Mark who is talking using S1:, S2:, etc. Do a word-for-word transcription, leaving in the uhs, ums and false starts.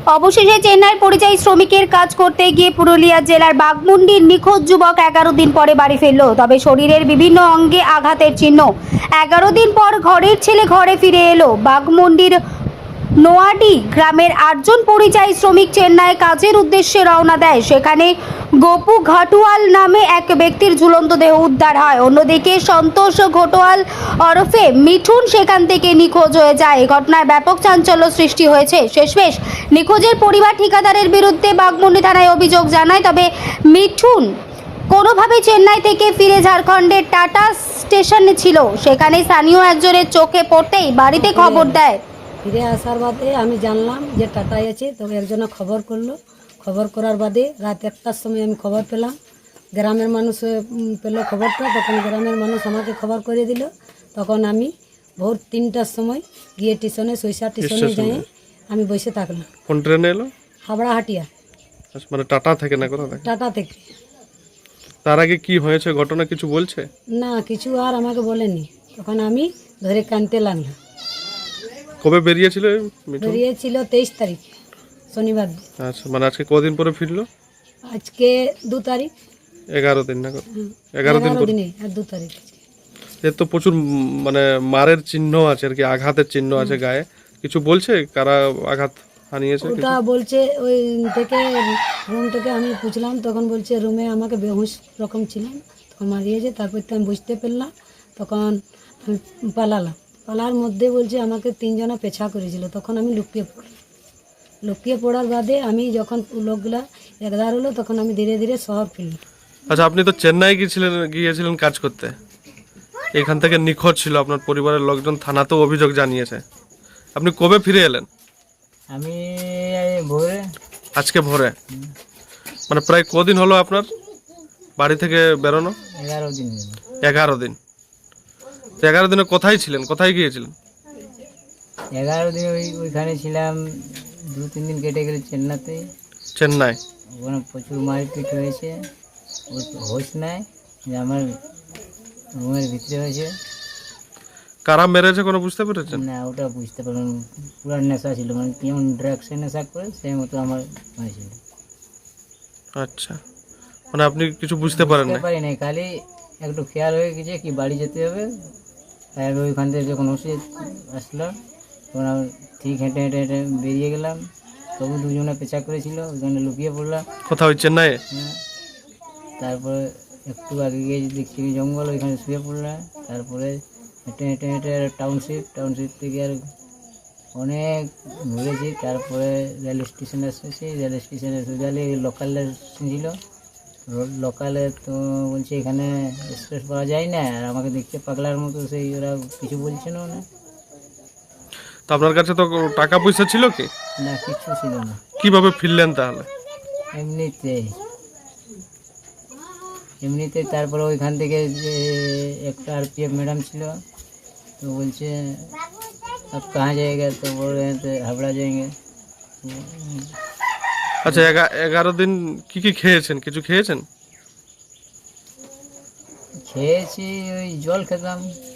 S1: অবশেষে চেন্নাইয়ের পরিযায়ী শ্রমিকের কাজ করতে গিয়ে পুরুলিয়া জেলার বাঘমুন্ডির নিখোঁজ যুবক এগারো দিন পরে বাড়ি ফিরল। তবে শরীরের বিভিন্ন অঙ্গে আঘাতের চিহ্ন। এগারো দিন পর ঘরের ছেলে ঘরে ফিরে এলো। বাঘমুন্ডির নোয়াডি গ্রামের আটজন পরিযায়ী শ্রমিক চেন্নাই কাজের উদ্দেশ্যে রওনা দেয়। সেখানে গোপু ঘাটুয়াল নামে এক ব্যক্তির ঝুলন্ত দেহ উদ্ধার হয়। অন্যদিকে সন্তোষ ঘটোয়াল ওরফে মিঠুন সেখান থেকে নিখোঁজ হয়ে যায়। এই ঘটনায় ব্যাপক চাঞ্চল্য সৃষ্টি হয়েছে। শেষমেশ নিখোঁজের পরিবার ঠিকাদারের বিরুদ্ধে বাঘমুন্ডি থানায় অভিযোগ জানায়। তবে মিঠুন কোনোভাবে চেন্নাই থেকে ফিরে ঝাড়খণ্ডের টাটা স্টেশনে ছিল। সেখানে স্থানীয় একজনের চোখে পড়তেই বাড়িতে খবর দেয়।
S2: ফিরে আসার বাদে আমি জানলাম যে টাটায় আছে। তবে একজনে খবর করলো। খবর করার বাদে রাত একটার সময় আমি খবর পেলাম। গ্রামের মানুষ পেলো খবরটা। তখন গ্রামের মানুষ আমাকে খবর করে দিল। তখন আমি ভোর তিনটার সময় গিয়ে স্টেশনে সৈসা স্টেশনে যাই আমি বসে থাকলাম।
S3: কোন ট্রেনে এলো?
S2: হাবড়া হাটিয়া।
S3: মানে টাটা থেকে না কোথা থেকে?
S2: টাটা থেকে।
S3: তার আগে কি হয়েছে ঘটনা কিছু বলছে
S2: না, কিছু আর আমাকে বলেনি। তখন আমি ধরে কানতে লাগলাম।
S3: কবে বেরিয়েছিল মিঠুন?
S2: বেরিয়েছিল তেইশ তারিখ শনিবার দিন।
S3: আচ্ছা, মানে আজকে কদিন পরে ফিরলো?
S2: আজকে দু তারিখ।
S3: এগারো দিন না? এগারো দিন পরে।
S2: দিনে আর দু তারিখ।
S3: এর তো প্রচুর উম, মানে মারের চিহ্ন আছে আর কি, আঘাতের চিহ্ন আছে গায়ে। কিছু বলছে কারা আঘাত হানিয়েছে?
S2: ওটা বলছে ওই থেকে রুম থেকে আমি পুছলাম। তখন বলছে রুমে আমাকে বেহুশ রকম ছিলাম, তখন মারিয়েছে। তারপর তো আমি বুঝতে পারলাম। তখন আমি পালালাম। পালার মধ্যে বলছে আমাকে তিনজনা পেছা করেছিল। তখন আমি লুকিয়ে পড়লাম। লুকিয়ে পড়ার বাদে আমি যখন লোকগুলা একদার হলো তখন আমি ধীরে ধীরে শহর ফিরলাম।
S3: আচ্ছা, আপনি তো চেন্নাই গিয়েছিলেন গিয়েছিলেন কাজ করতে, এখান থেকে নিখোঁজ ছিল, আপনার পরিবারের লোকজন থানাতেও অভিযোগ জানিয়েছে। আপনি কবে ফিরে এলেন?
S4: আমি এই ভোরে।
S3: আজকে ভোরে? মানে প্রায় কদিন হলো আপনার বাড়ি থেকে বেরোনো?
S4: এগারো দিন হলো।
S3: এগারো দিন। তো এগারো দিনে কোথায় ছিলেন, কোথায় গিয়েছিলেন?
S4: এগারো দিন ওই ওইখানে ছিলাম। দু তিন দিন কেটে গেলে চেন্নাইতে।
S3: চেন্নাই?
S4: ওখানে প্রচুর মারপিট হয়েছে। ও হোশ নাই যে আমার রুমের ভিতরে হয়েছে।
S3: কারা মেরেছে কোনো বুঝতে পেরেছেন?
S4: না, ওটা বুঝতে পারলাম। পুরো নেশা ছিল, মানে কেমন ড্রাগসের নেশা করে সেই মতো আমার হয়েছিল।
S3: আচ্ছা, মানে আপনি কিছু বুঝতে পারেন না?
S4: বুঝতে পারি নাই, খালি একটু খেয়াল হয়ে গেছে কি বাড়ি যেতে হবে। তাই আমি ওইখান থেকে যখন ওষুধ আসলো তখন আমি ঠিক হেঁটে হেঁটে হেঁটে বেরিয়ে গেলাম। তবু দুজনে পেঁচা করেছিল, ওইখানে লুকিয়ে পড়লাম।
S3: কোথাও ওই চেন্নাইয়ে?
S4: হ্যাঁ। তারপরে একটু আগে গিয়ে দেখছি কি জঙ্গল, ওইখানে শুয়ে পড়লাম। তারপরে হেঁটে হেঁটে হেঁটে টাউনশিপ টাউনশিপ থেকে আর অনেক ঘুরেছি। তারপরে রেল স্টেশনে এসেছি। রেল স্টেশনে এসে গেলে লোকাল ছিল। লোকালে তো বলছে এখানে এক্সপ্রেস পাওয়া যায় না। আর আমাকে দেখতে পাগলার মতো, সেই ওরা কিছু বলছে না। না,
S3: তো আপনার কাছে তো টাকা পয়সা ছিল কি?
S4: না, কিছু ছিল না।
S3: কিভাবে ফিরলেন তাহলে?
S4: এমনিতে এমনিতে তারপরে ওইখান থেকে যে একটা আর পি এফ ম্যাডাম ছিল, তো বলছে আপ কাহা যাएगा, তো বল रहे थे হাবড়া जाएंगे।
S3: আচ্ছা, এগারো দিন কি কি খেয়েছেন, কিছু খেয়েছেন?
S4: খেয়েছি, ওই জল খেতাম।